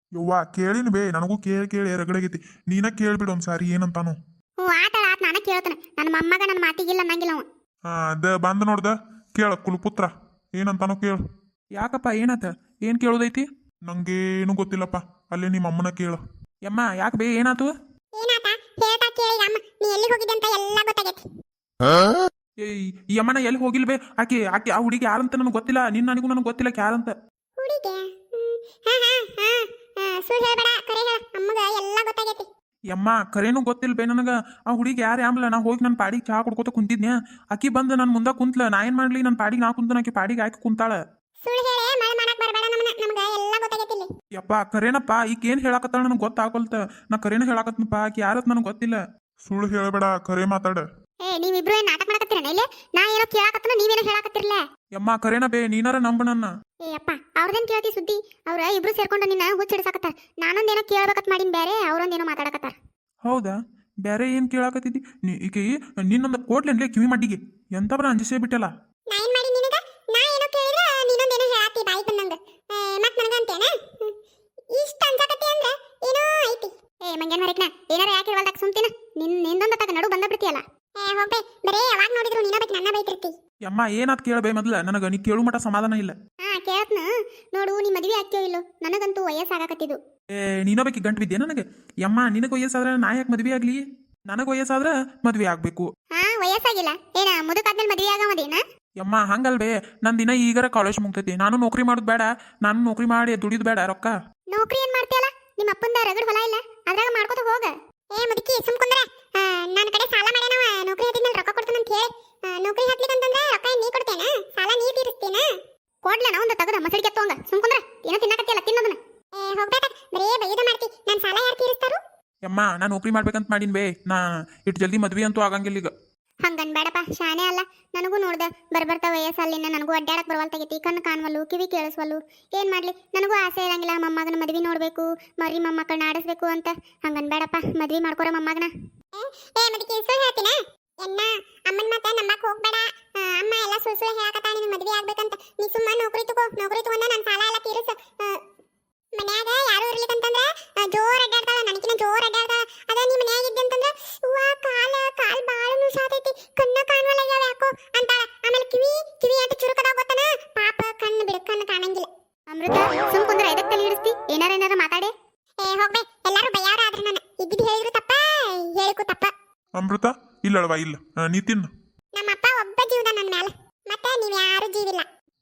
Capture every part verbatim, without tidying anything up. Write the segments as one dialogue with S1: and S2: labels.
S1: ಯವ್ವ ಕೇಳಿನ ಬೇ ನನಗೂ ಕೇಳಿ ಕೇಳಿ ರಗಡಾಗೈತಿ. ನೀನ ಕೇಳ್ಬಿಡು ಒಂದ್ಸಾರಿ ಏನಂತಾನು.
S2: ಹ್ಞೂ ಆಟ ಆತ ನಾನು ಕೇಳ್ತಾನೆ. ನನ್ನ ಮೊಮ್ಮಗ ನನ್ನ ಮಾತಿಗಿಲ್ಲ ಅನ್ನಂಗಿಲ್ಲ ಅವ.
S1: ಹಾ ಅದ ಬಂದ ನೋಡ್ದ ಕೇಳ ಕುಲಪುತ್ರ ಏನಂತಾನು ಕೇಳು.
S3: ಯಾಕಪ್ಪ ಏನಾತ? ಏನು ಕೇಳೋದೈತಿ?
S1: ನಂಗೇನು ಗೊತ್ತಿಲ್ಲಪ್ಪ, ಅಲ್ಲೇ ನಿಮ್ಮ ಅಮ್ಮನ ಕೇಳು.
S3: ಯಮ್ಮ ಯಾಕೆ ಬೇ ಏನಾತು?
S2: ಏನಾತ ಹೇಳ್ತಾ ಕೇಳಿ ಅಮ್ಮ. ನೀ ಎಲ್ಲಿ ಹೋಗಿದ್ದೆ ಅಂತ ಎಲ್ಲ ಗೊತ್ತಾಗೈತಿ.
S3: ಏಯ್ ಈ ಅಮ್ಮನ ಎಲ್ಲಿ ಹೋಗಿಲ್ಬೇ? ಆಕೆ ಆಕೆ ಆ ಹುಡುಗಿ ಯಾರಂತ ನನಗೆ ಗೊತ್ತಿಲ್ಲ. ನಿನ್ನ ನನಗೂ ನನಗೆ ಗೊತ್ತಿಲ್ಲ ಯಾರಂತ.
S2: ಹುಡುಗಿ ಹಾ ಹಾ ಹಾ ಸುಳ್ಳು ಹೇಳ್ಬೇಡ, ಕರೆ ಹೇಳ. ಅಮ್ಮಗ ಎಲ್ಲ ಗೊತ್ತಾಗೈತಿ.
S3: ಯಮ್ಮ ಕರೇನು ಗೊತ್ತಿಲ್ಲ ಬೇ ನನಗೆ. ಆ ಹುಡುಗಿ ಯಾರು ಆಂಬ್ಲ ನಾ ಹೋಗಿ ನನ್ನ ಪಾಡಿಗೆ ಚಹಾ ಕುಡ್ಕೋತ ಕುಂತಿದ್ನ್ಯಾ. ಆಕಿ ಬಂದು ನನ್ನ ಮುಂದೆ ಕುಂತ್ಲ. ನಾ ಏನು ಮಾಡ್ಲಿ? ನನ್ನ ಪಾಡಿಗೆ ನಾ ಕುಂತ ಆಕಿ ಪಾಡಿಗೆ ಆಕಿ ಕುಂತಾಳ.
S2: ಸುಳ್ಳು ಹೇಳಿ ಮಳೆ ಮಾಡಕ್ ಬರಬೇಡ. ನಮ್ಮನ್ನ ನಮ್ಗೆ ಎಲ್ಲ ಗೊತ್ತಾಗೈತಿ ಇಲ್ಲಿ.
S3: ಯಪ್ಪ ಕರೇನಪ್ಪ ಈಗ ಏನು ಹೇಳಕತ್ತಾಳ ನನಗೆ ಗೊತ್ತಾಗಲ್ತ. ನಾ ಕರೇನ ಹೇಳಕತ್ನಪ್ಪ, ಆಕಿ ಯಾರತ್ ನನಗೆ ಗೊತ್ತಿಲ್ಲ.
S1: ಸುಳ್ಳು ಹೇಳಬೇಡ, ಕರೆ ಮಾತಾಡ.
S2: ಏ ನೀವಿಬ್ರು ಏನ್ ನಾಟಕ ಮಾಡಕತ್ತೀರನ ಇಲ್ಲಿ? ನಾ ಏನೋ ಕೇಳಕತ್ತನ ನೀವೇನೋ ಹೇಳಕತ್ತಿರ್ಲ.
S3: ಯಮ್ಮ ಕರೇನ ಬೇ ನೀನಾರ ನಂಬ ನನ್ನ.
S2: ಏ ಅಪ್ಪ ಅವ್ರದೇನ್ ಕೇಳ್ತಿ ಸುದ್ದಿ? ಅವ್ರ ಇಬ್ರು ಸೇರ್ಕೊಂಡು ನಿನ್ನ ಹುಚ್ಚಿಡ್ಸಾಕತ್ತಾರ. ನಾನೊಂದೇನೋ ಕೇಳ್ಬೇಕತ್ ಮಾಡಿನ ಬೇರೆ, ಅವ್ರೊಂದೇನೋ ಮಾತಾಡಕತ್ತಾರ.
S3: ಹೌದಾ? ಬೇರೆ ಏನು ಕೇಳಾಕತ್ತಿದ್ದಿ ನೀ? ಈಕೆ ನಿನ್ನೊಂದು ಕೋಟ್ಲೆನ್ಲೇ ಕಿವಿ ಮಡ್ಡಿಗೆ ಎಂತಬ್ರ ಅಂಜಿಸೇ ಬಿಟ್ಟಲ್ಲ.
S2: ನಾ ಏನ್ ಮಾಡಿ ನಿನಗ? ನಾ ಏನೋ ಕೇಳಿದ್ರ ನೀನೊಂದೇನೋ ಹೇಳಾತಿ ಬಾಯಿ ಬಂದಂಗ. ಮತ್ ನನಗ ಅಂತೇನ ಇಷ್ಟ ಅಂಜಾಕತ್ತಿ ಅಂದ್ರ ಏನೋ ಐತಿ. ಏ ಮಂಗ್ಯಾನ ಮರಿಕ್ನ ಏನಾರ ಯಾಕೆ ಇರವಲ್ದಾಕ ಸುಮ್ತಿನ? ನಿನ್ ನಿಂದೊಂದ ತಗ ನಡು ಬಂದ ಬಿಡ್ತೀಯಲ್ಲ. ಏ ಹೋಗ್ಬೇ, ಬರೇ ಯಾವಾಗ ನೋಡಿದ್ರು ನೀನ ಬೇಕು ನನ್ನ ಬೈತಿರ್ತಿ.
S3: ಯಮ್ಮ ಏನಾತ್ ಕೇಳಬೇ ಮೊದ್ಲ, ನನಗೆ ನೀ ಕೇಳು ಮಟ ಸಮಾಧಾನ ಇಲ್ಲ.
S2: ಹಾ ಕೇಳತ್ನ ನೋಡು. ನೀ ಮದ್ವೆ ಆಗ್ತೇವ ಇಲ್ಲೋ? ನನಗಂತೂ ವಯಸ್ಸಾಗಕತ್ತಿದ್ದು.
S3: ಏ ನೀನೋಬೇಕಿ ಗಂಟು ಬಿದ್ದೆ ನನಗೆ. ಯಮ್ಮ ನಿನಗೆ ವಯಸ್ಸಾದ್ರೆ ನಾ ಯಾಕೆ ಮದ್ವೆ ಆಗ್ಲಿ? ನನಗೆ ವಯಸ್ಸಾದ್ರೆ ಮದ್ವೆ ಆಗ್ಬೇಕು.
S2: ಹಾ ವಯಸ್ಸಾಗಿಲ್ಲ ಏನ ಮುದುಕಾದ್ಮೇಲೆ ಮದ್ವೆ ಆಗಮದೇನ?
S3: ಯಮ್ಮ ಹಂಗಲ್ಬೇ, ನನ್ನ ದಿನ ಈಗರ ಕಾಲೇಜ್ ಮುಗ್ತೈತಿ. ನಾನು ನೌಕರಿ ಮಾಡೋದು ಬೇಡ, ನಾನು ನೌಕರಿ ಮಾಡಿ ದುಡಿದು ಬೇಡ ರೊಕ್ಕ.
S2: ನೌಕರಿ ಏನ್ ಮಾಡ್ತೀಯಲ್ಲ? ನಿಮ್ಮ ಅಪ್ಪಂದ ರಗಡ್ ಹೊಲ ಇಲ್ಲ, ಅದ್ರಾಗ ಮಾಡ್ಕೋತ ಹೋಗ. ಏ ಮುದುಕಿ ಸುಮ್ ಕುಂದ್ರ. ನನ್ನ ಕಡೆ ಸಾಲ ಮಾಡ್ಯಾನವ, ನೌಕರಿ ಹತ್ತಿದ್ಮೇಲೆ ರೊಕ್ಕ ಕೊಡ್ತಾನ ಅಂತ ಹೇಳಿ. ನೌಕರಿ ಹತ್ಲಿಕ್ಕಂತಂದ್ರೆ ರೊಕ್ಕ ನೀ ಕೊಡ್ತೇನ? ಸಾಲ ನೀ ತೀರಿಸ್ತೇನ? ಕೊಡ್ಲ ನಾ ಒಂದು ತಗದ ಮಸಳಿಗೆ ಎತ್ತೋಂಗ. ಸುಮ್ ಕುಂದ್ರ, ಏನೋ ತಿನ್ನಕತ್ತಿಯಲ್ಲ ತಿನ್ನೋದನ್ನ. ಏ ಹೋಗ್ಬೇಕ, ಬರೇ ಬೈದ ಮಾಡ್ತಿ. ನನ್ನ ಸಾಲ ಯಾರು ತೀರಿಸ್ತಾರು?
S3: ಯಮ್ಮ ನಾ ನೌಕರಿ ಮಾಡ್ಬೇಕಂತ ಮಾಡೀನಿ ಬೇ. ನಾ ಇಟ್ಟು ಜಲ್ದಿ ಮದ್ವೆ ಅಂತೂ ಆಗಂಗಿಲ್ಲ ಈಗ.
S2: ಹಂಗನ್ ಬೇಡಪ್ಪ, ಶಾನೆ ಅಲ್ಲ. ನನಗೂ ನೋಡ್ದ ಬರ್ಬರ್ತಾ ವಯಸ್ಸಲ್ಲಿನ ನನಗೂ ಅಡ್ಡಾಡಕ್ ಬರವಲ್ತಾಗೈತಿ. ಕಣ್ಣು ಕಾಣವಲ್ಲು, ಕಿವಿ ಕೇಳಿಸ್ವಲ್ಲು. ಏನ್ ಮಾಡ್ಲಿ? ನನಗೂ ಆಸೆ ಇರಂಗಿಲ್ಲ ಮೊಮ್ಮಗನ ಮದ್ವಿ ನೋಡ್ಬೇಕು, ಮರಿ ಮೊಮ್ಮಕ್ಕಳನ್ನ ಆಡಿಸ್ಬೇಕು ಅಂತ. ಹಂಗನ್ ಬೇಡಪ್ಪ, ಮದ್ವಿ ಮಾಡ್ಕೊರ ಮೊಮ್ಮಗನ. ಏ ಮದಕ್ಕೆ ಸುಳ್ಳು ಹೇಳ್ತೀನ? ಎನ್ನ ಅಮ್ಮನ ಮಾತ ನಂಬಕ್ ಹೋಗ್ಬೇಡ. ಅಮ್ಮ ಎಲ್ಲ ಸುಳ್ಳು ಸುಳ್ಳು ಹೇಳಕತ್ತ ನಿನ್ ಮದ್ವೆ ಆಗ್ಬೇಕಂತ. ನೀ ಸುಮ್ಮ ನೌಕರಿ ತಗೋ, ನೌಕರಿ ತಗೊಂಡ ನನ್ನ ಸಾಲ ಎಲ್ಲ ತೀರಿಸ. ಮನ್ಯಾಗ ಯಾರು ಇರ್ಲಿಕ್ಕಂತಂದ್ರ ಜೋರ್ ಅಡ್ಡಾಡ್ತಾಳ, ನನಕಿನ ಜೋರ್ ಅಡ್ಡಾಡ್ತಾಳ. ಅದ ನೀ ಮನ್ಯಾಗ ಇದ್ದಂತಂದ್ರ ಅವ್ವ ಕಾಲ ಕಾಲ್ ಬಾಳ ನುಸಾತೈತಿ, ಕಣ್ಣ ಕಾಣವಲ್ಲ ಯಾಕೋ ಅಂತಾಳ. ಆಮೇಲೆ ಕಿವಿ ಕಿವಿ ಅಂತ ಚುರುಕದಾಗ ಗೊತ್ತನ? ಪಾಪ ಕಣ್ಣು ಬಿಡು, ಕಣ್ಣು ಕಾಣಂಗಿಲ್ಲ. ಅಮೃತ ಸುಮ್ ಕುಂದ್ರ, ಎದಕ್ ತಲೆ ಹಿಡಿಸ್ತಿ? ಏನಾರ ಏನಾರ ಮಾತಾಡೆ. ಏ ಹೋಗ್ಬೇ, ಎಲ್ಲಾರು ಬಯ್ಯಾರ ಆದ್ರೆ ನಾನು ಇದ್ದಿದ್ದು ಹೇಳಿದ್ರು ತಪ್ಪ, ಹೇಳಿಕು ತಪ್ಪ.
S1: ಅಮೃತ ಇಲ್ಲಳವಾ? ಇಲ್ಲ ನೀ ತಿನ್ನು.
S2: ನಮ್ಮಪ್ಪ ಒಬ್ಬ ಜೀವದ ನನ್ನ ಮ್ಯಾಲ, ಮತ್ತೆ ನೀವ್ ಯಾರು ಜೀವಿಲ್ಲ.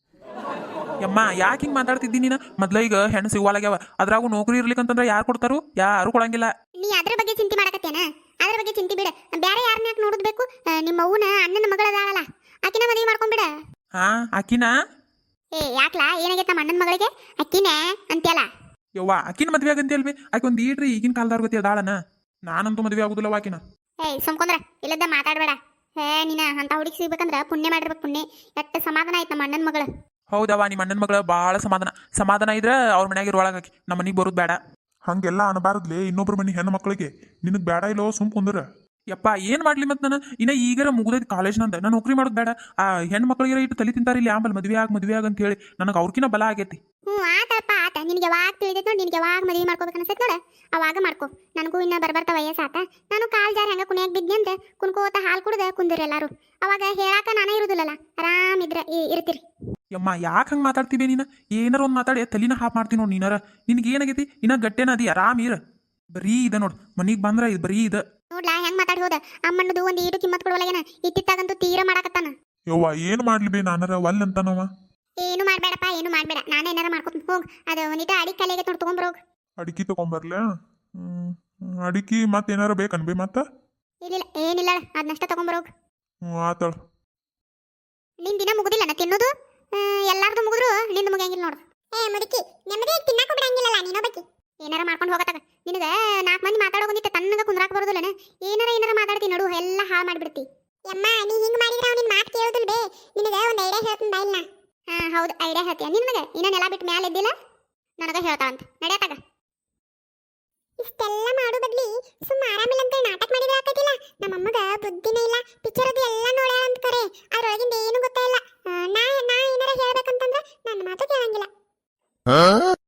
S3: ಯಮ್ಮ ಯಾಕೆ ಹಿಂಗೆ ಮಾತಾಡ್ತಿದ್ದೀನಿ ನೀನು? ಮೊದ್ಲ ಈಗ ಹೆಣ್ಣು ಸಿಗುವಾಲಾಗ್ಯಾವ, ಅದ್ರಾಗೂ ನೌಕರಿ ಇರ್ಲಿಕ್ಕಂತಂದ್ರೆ ಯಾರು ಕೊಡ್ತಾರು? ಯಾರು ಕೊಡಂಗಿಲ್ಲ.
S2: ನೀ ಅದ್ರ ಬಗ್ಗೆ ಚಿಂತೆ ಮಾಡಕತ್ತೇನ? ಅದ್ರ ಬಗ್ಗೆ ಚಿಂತೆ ಬಿಡ. ಬೇರೆ ಯಾರನ್ನ ಯಾಕೆ ನೋಡುದ್ ಬೇಕು? ನಿಮ್ಮ ಅವ್ವನ ಅಣ್ಣನ ಮಗಳದಾಳಲ್ಲ, ಆಕಿನ ಮದುವೆ ಮಾಡ್ಕೊಂಡ್ಬಿಡ.
S3: ಹಾ ಆಕಿನ?
S2: ಏ ಯಾಕ್ಲಾ, ಏನಾಗೈತ ನಮ್ಮ ಅಣ್ಣನ ಮಗಳಿಗೆ? ಅಕ್ಕಿನ ಅಂತ್ಯಲ್ಲ.
S3: ಯವ್ವ ಆಕಿನ ಮದ್ವೆ ಆಗಂತಿ ಅಲ್ವೇ? ಆಕೆ ಒಂದು ಈಡ್ರಿ ಈಗಿನ ಕಾಲದವ್ರ ಗತಿ ಅದಾಳನ. ನಾನಂತೂ ಮದ್ವೆ ಆಗುದಿಲ್ಲ ಆಕಿನ.
S2: ಏಯ್ ಸುಮ್ಕೊಂದ್ರ, ಇಲ್ಲದ ಮಾತಾಡ್ಬೇಡ. ಹೇ ನೀನ ಅಂತ ಹುಡುಗಿ ಸಿಗ್ಬೇಕಂದ್ರ ಪುಣ್ಯ ಮಾಡಿರ್ಬೇಕು. ಪುಣ್ಯ ಎಷ್ಟ ಸಮಾಧಾನ ಆಯ್ತು ನಮ್ಮ ಅಣ್ಣನ ಮಗಳು.
S3: ಹೌದವ, ನಿಮ್ಮ ಅಣ್ಣನ ಮಗಳ ಭಾಳ ಸಮಾಧಾನ. ಸಮಾಧಾನ ಇದ್ರೆ ಅವ್ರ ಮನ್ಯಾಗ ಇರುವಳಗಾಕಿ, ನಮ್ಮ ಮನೆಗೆ ಬರೋದು ಬೇಡ.
S1: ಹಂಗೆಲ್ಲ ಅನ್ಬಾರದ್ಲೇ ಇನ್ನೊಬ್ರ ಮನಿ ಹೆಣ್ಣು ಮಕ್ಕಳಿಗೆ. ನಿನಗ್ ಬೇಡ ಇಲ್ಲೋ ಸುಮ್ ಕುಂದ್ರ.
S3: ಯಪ್ಪ ಏನು ಮಾಡ್ಲಿ ಮತ್ತೆ ನಾನು ಇನ್ನ ಈಗರ ಮುಗ್ದೈತಿ ಕಾಲೇಜ್ ನಂದ. ನಾನು ನೌಕರಿ ಮಾಡೋದು ಬೇಡ. ಆ ಹೆಣ್ಣು ಮಕ್ಕಳಿಗೆ ಇಟ್ಟು ತಲೆ ತಿಂತಾರ ಇಲ್ಲಿ ಆಂಬಲ್ ಮದ್ವೆ ಆಗ ಮದ್ವೆ ಆಗ ಅಂತ ಹೇಳಿ. ನನಗೆ ಅವ್ರಕಿನ ಬಲ ಆಗೈತಿ.
S2: ಹ್ಞೂ ಆತಪ್ಪ ಆತ. ನಿನಗೆ ಯಾವಾಗ ತಿಳಿದೈತೆ ನೋಡಿ, ನಿನಗೆ ಯಾವಾಗ ಮದುವೆ ಮಾಡ್ಕೋಬೇಕು ಅನ್ಸೈತೆ ನೋಡ, ಅವಾಗ ಮಾಡ್ಕೊ. ನನಗೂ ಇನ್ನ ಬರ್ಬರ್ತಾ ವಯಸ್ಸಾತ. ನಾನು ಕಾಲ್ ಜಾರ ಹೆಂಗ ಕುಣಿಯಾಗ ಬಿದ್ನಿ ಅಂತ ಕುಣ್ಕೋತ ಹಾಲು ಕುಡ್ದ ಕುಂದಿರಿ ಎಲ್ಲಾರು. ಅವಾಗ ಹೇಳಾಕ ನಾನೇ ಇರುದಿಲ್ಲಲ್ಲ, ಆರಾಮಿದ್ರ ಇರ್ತೀರಿ.
S3: ಯಮ್ಮ ಯಾಕೆ ಹಂಗೆ ಮಾತಾಡ್ತೀವಿ ನೀನು? ಏನಾರ ಒಂದು ಮಾತಾಡಿ ತಲಿನ ಹಾಪ್ ಮಾಡ್ತೀನಿ ನೋಡಿ ನೀನಾರ. ನಿನ್ಗೆ ಏನಾಗೈತಿ? ಇನ್ನ ಗಟ್ಟೆನ ಅದಿ, ಆರಾಮ್ ಇರ. ಬರೀ ಇದ ನೋಡು, ಮನಿಗೆ ಬಂದ್ರ ಇದು ಬರೀ ಇದ
S2: ನೋಡ್ಲಾ ಹೆಂಗ್ ಮಾತಾಡಿ ಹೋದ. ಅಮ್ಮಣ್ಣದು ಒಂದು ಈಟು ಕಿಮ್ಮತ್ ಕೊಡವಲ್ಲೇನ, ಇತ್ತಿತ್ತಾಗಂತೂ ತೀರ ಮಾಡಾಕತ್ತಾನ.
S1: ಯವ್ವ ಏನ್ ಮಾಡ್ಲಿ ಬೇ, ನಾನರ ಒಲ್ ಅಂತಾನವ.
S2: ಏನು ಮಾಡ್ಬೇಡಪ್ಪ, ಏನು ಮಾಡ್ಬೇಡ. ನಾನೇ ಏನಾರ ಮಾಡ್ಕೊತ ಹೋಗ್. ಅದು ಒಂದಿಟ ಅಡಿ ಕಲೆಗೆ ನೋಡಿ ತಗೊಂಬರೋಗ್.
S1: ಅಡಿಕೆ ತಗೊಂಬರ್ಲ? ಹ್ಮ್ ಅಡಿಕೆ ಮತ್ತೇನಾರ ಬೇಕನ್ ಬೇ ಮತ್ತ?
S2: ಇಲ್ಲ ಏನಿಲ್ಲ, ಅದನ್ನಷ್ಟ ತಗೊಂಬರೋಗ್.
S1: ಹ್ಞೂ ಆತಳ.
S2: ನಿನ್ ದಿನ ಮುಗುದಿಲ್ಲ ನಾ ತಿನ್ನೋದು. ಎಲ್ಲಾರ್ದು ಮುಗಿದ್ರು ನಿಂದು ಮುಗಿಯಂಗಿಲ್ಲ ನೋಡು. ಏ ಮುದುಕಿ, ನೆಮ್ಮದಿ ತಿನ್ನಕ ಬಿಡಂಗಿಲ್ಲಲ್ಲ ನೀನೊಬ್ಬಕಿ. ಏನಾರ ಮಾಡ್ಕೊಂಡು ಹೋಗತ್ತಾಗ. ನಿನಗ ನಾಲ್ಕು ಮಂದಿ ಮಾತಾಡೋ ಬಂದಿತ್ತ, ತನ್ನಗ ಕುಂದ್ರಾಕ ಬರೋದಿಲ್ಲನ? ಏನಾರ ಏನಾರ ಮಾತಾಡ್ತಿ ನಡು, ಎಲ್ಲ ಹಾಳು ಮಾಡ್ಬಿಡ್ತಿ. ಯಮ್ಮ ನೀ ಹಿಂಗ್ ಮಾಡಿದ್ರೆ ಅವ್ನಿನ್ ಮಾತು ಕೇಳೋದಿಲ್ಲ ಬೇ. ನಿನಗ ಒಂದು ಐಡಿಯಾ ಹೇಳ್ತೀನಿ ಬಾ ಇಲ್ಲ. ಹಾ ಹೌದು, ಐಡಿಯಾ ಹೇಳ್ತೀಯ ನಿನಗೆ? ಇನ್ನ ನೆಲ ಬಿಟ್ಟು ಮ್ಯಾಲೆ ಇದ್ದಿಲ್ಲ, ನನಗ ಹೇಳ್ತಾ ಅಂತ ನಡೆಯತ್ತಾಗ. ಇಷ್ಟೆಲ್ಲ ಮಾಡೋ ಬದ್ಲಿ ಸುಮ್ಮ ಆರಾಮಿಲ್ಲ ಅಂತ ನಾಟಕ ಮಾಡಿದ್ರೆ ಆಕತಿಲ್ಲ. ನಮ್ಮಮ್ಮಗ ಬುದ್ಧಿನೇ ಇಲ್ಲ. ಪಿಕ್ಚರ್ ಅದು ಎಲ್ಲ ನೋಡ್ಯಾರ ಅಂತ ಕರೆ, ಅದ್ರೊಳಗಿಂದ ಏನು ಗೊತ್ತಾಯಿಲ್ಲ. ನಾ ನಾ ಏನಾರ ಹೇಳ್ಬೇಕಂತಂದ್ರೆ ನನ್ನ ಮಾತು ಕೇಳಂಗಿಲ್ಲ.